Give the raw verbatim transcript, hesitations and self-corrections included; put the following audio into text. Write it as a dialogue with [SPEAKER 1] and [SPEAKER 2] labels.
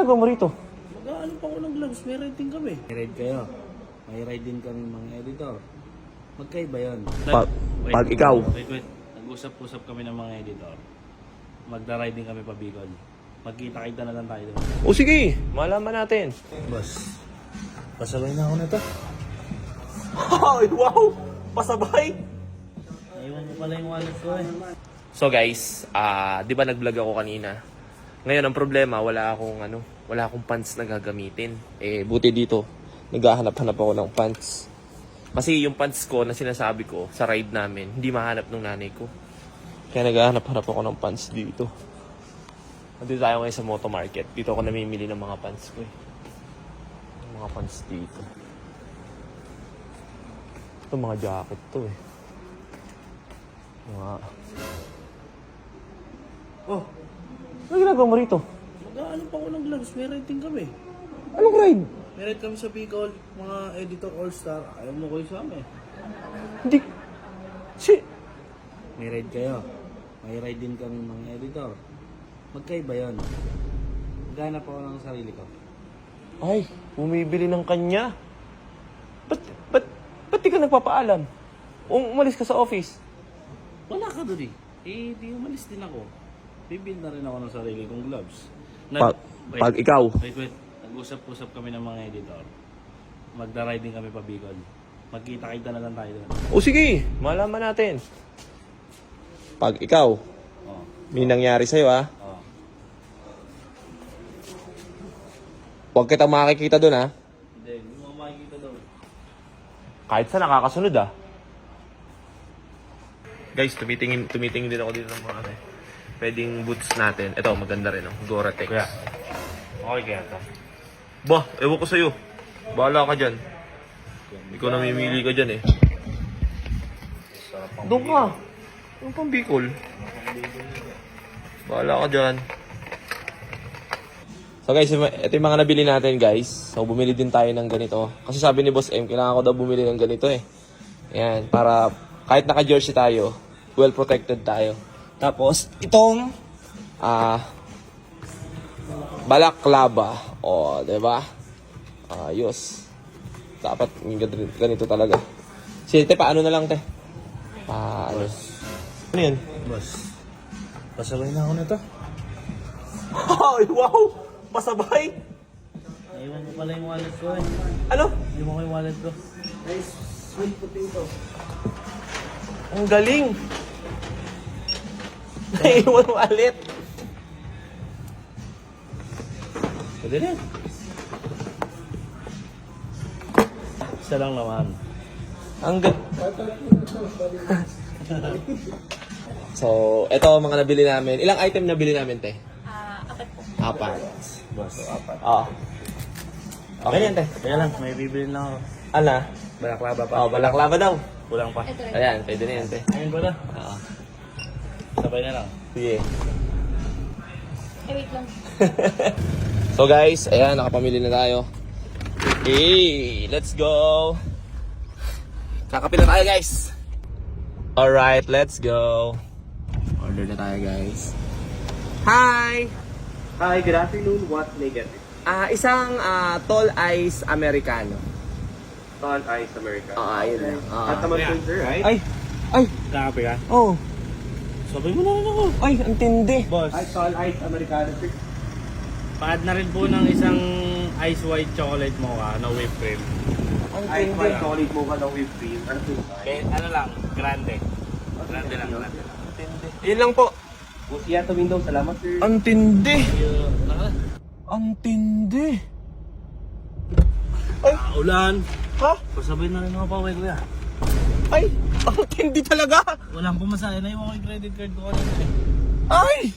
[SPEAKER 1] ginagawa mo rito?
[SPEAKER 2] Mag-ano pa ako ng gloves, may ride din kami. May ride kayo. May ride din kami mga editor. Magkaiba yun.
[SPEAKER 1] Pa- pag ikaw.
[SPEAKER 2] Wait, wait. Nag-usap-usap kami ng mga editor. Magda-ride din kami pa Bicol. Magkita-kita na lang tayo doon.
[SPEAKER 1] O sige, malaman natin.
[SPEAKER 2] Boss, pasabay na ako na to.
[SPEAKER 1] Ay, wow! Pasabay!
[SPEAKER 2] Naiwan ko pala yung wallet ko eh.
[SPEAKER 1] So guys, ah, 'di ba nag-vlog ako kanina? Ngayon ang problema, wala akong ano, wala akong pants na gagamitin. Eh buti dito, naghahanap-hanap ako ng pants. Kasi yung pants ko na sinasabi ko sa ride namin, hindi mahanap ng nanay ko. Kaya naghahanap-hanap ako ng pants dito. Nandito tayo ngayon sa Moto Market. Dito ako namimili ng mga pants ko eh. Mga pants dito. Ito mga jacket to eh. Mga...
[SPEAKER 2] Oh,
[SPEAKER 1] Ano ginagawa mo rito?
[SPEAKER 2] mag-ano pa ako ng gloves, may ride din kami.
[SPEAKER 1] Anong ride?
[SPEAKER 2] May ride kami sa Bicol, mga editor all-star. Ayaw mo ko isama eh.
[SPEAKER 1] Hindi... Si...
[SPEAKER 2] May ride kayo. May ride din kami mga editor. Magkaiba yun. Maghanap ako ng sarili ko.
[SPEAKER 1] Ay, bumibili ng kanya. Ba't, ba't, ba't di ka nagpapaalam? Um, umalis ka sa office.
[SPEAKER 2] Wala ka doon eh. Eh, di umalis din ako. Bibil na rin ako ng sarili kong gloves.
[SPEAKER 1] Pag,
[SPEAKER 2] wait,
[SPEAKER 1] pag ikaw.
[SPEAKER 2] Wait, wait. Nag-usap-usap kami ng mga editor. Magda-ride din kami pa Bicol. Magkita-kita na lang tayo doon.
[SPEAKER 1] O sige, malaman natin. Pag ikaw,
[SPEAKER 2] Oh,
[SPEAKER 1] may nangyari sa'yo ah.
[SPEAKER 2] oh.
[SPEAKER 1] Huwag kitang makikita doon ah.
[SPEAKER 2] Hindi, hindi mo makikita doon.
[SPEAKER 1] Kahit sa nakakasunod ah. Guys, tumitingin, tumitingin din ako dito ng mga ano eh. Pwedeng boots natin. Ito, maganda rin oh. Gore-Tex.
[SPEAKER 2] Kuya, okay kaya ito?
[SPEAKER 1] Bah, ewan ko sa'yo. Bahala ka dyan. Ikaw namimili ka dyan eh.
[SPEAKER 2] Sarap ang
[SPEAKER 1] Doon ka. Yung pang Bicol. Bahala ka dyan. So guys, ito yung mga nabili natin guys. So bumili din tayo ng ganito. Kasi sabi ni Boss M, kailangan ko daw bumili ng ganito eh. Ayan, para kahit naka-jersey tayo, well protected tayo. Tapos, itong ah balaklava. O, diba? Ayos. Dapat ganito talaga. Sige, te, paano na lang, te? Paano? Ano yun?
[SPEAKER 2] Boss, pasabay na ako na to.
[SPEAKER 1] Ay, wow! Pasabay!
[SPEAKER 2] Naiwan ko pala yung wallet ko eh.
[SPEAKER 1] Ano?
[SPEAKER 2] Hindi mo ko yung wallet ko. Nice, sweet potato.
[SPEAKER 1] Ang galing! Naiwan wallet.
[SPEAKER 2] Pwede rin. Isa lang naman.
[SPEAKER 1] Ang galing. So, ito ang mga nabili namin. Ilang item nabili namin, te?
[SPEAKER 3] Ah, apat po.
[SPEAKER 1] Apat.
[SPEAKER 2] Boss, apat.
[SPEAKER 1] Oo. Okay yan, te.
[SPEAKER 2] Kaya lang, may bibili lang ako.
[SPEAKER 1] Ano?
[SPEAKER 2] Balaklava pa.
[SPEAKER 1] Oh, balaklava daw.
[SPEAKER 2] Kulang pa.
[SPEAKER 3] Ito rin.
[SPEAKER 1] Ayan, pwede na yan, te.
[SPEAKER 2] Ayun ba na?
[SPEAKER 1] Oo.
[SPEAKER 2] Sabay na lang.
[SPEAKER 1] Sige.
[SPEAKER 3] Eh, wait lang.
[SPEAKER 1] So guys, ayan, nakapamili na tayo. Hey, let's go! Kakapil na tayo guys! Alright, let's go! Order na tayo guys. Hi!
[SPEAKER 4] Hi, good afternoon. What may get it?
[SPEAKER 1] Ah, isang ah, tall ice Americano.
[SPEAKER 4] Tall Ice America.
[SPEAKER 1] Ah, ayun lang. Ah.
[SPEAKER 4] At naman po, sir, right?
[SPEAKER 1] Ay! Ay!
[SPEAKER 2] Kakape ka?
[SPEAKER 1] Oh!
[SPEAKER 2] Sabay mo na rin ako.
[SPEAKER 1] Ay, ang tindi!
[SPEAKER 2] Boss,
[SPEAKER 4] Ay, Tall Ice Americano, sir.
[SPEAKER 2] pa-add na rin po ng isang ice white chocolate mocha na whipped cream.
[SPEAKER 1] Ang
[SPEAKER 4] Ice
[SPEAKER 1] tindi!
[SPEAKER 4] White Chocolate Mocha ng whipped cream. Ano po?
[SPEAKER 2] Okay, ano lang, grande. Grande lang, grande lang.
[SPEAKER 1] Ang tindi. Yun lang po.
[SPEAKER 4] Busiya to window. Salamat, sir.
[SPEAKER 1] Ang tindi!
[SPEAKER 2] Yung, ano?
[SPEAKER 1] Ang tindi!
[SPEAKER 2] Ah, ulan.
[SPEAKER 1] Ha?
[SPEAKER 2] Pasabay na rin ako pa, kuya.
[SPEAKER 1] Ay! Ang tindi talaga!
[SPEAKER 2] Walang pumasaya na yung mga credit card ko kanina eh.
[SPEAKER 1] Ay!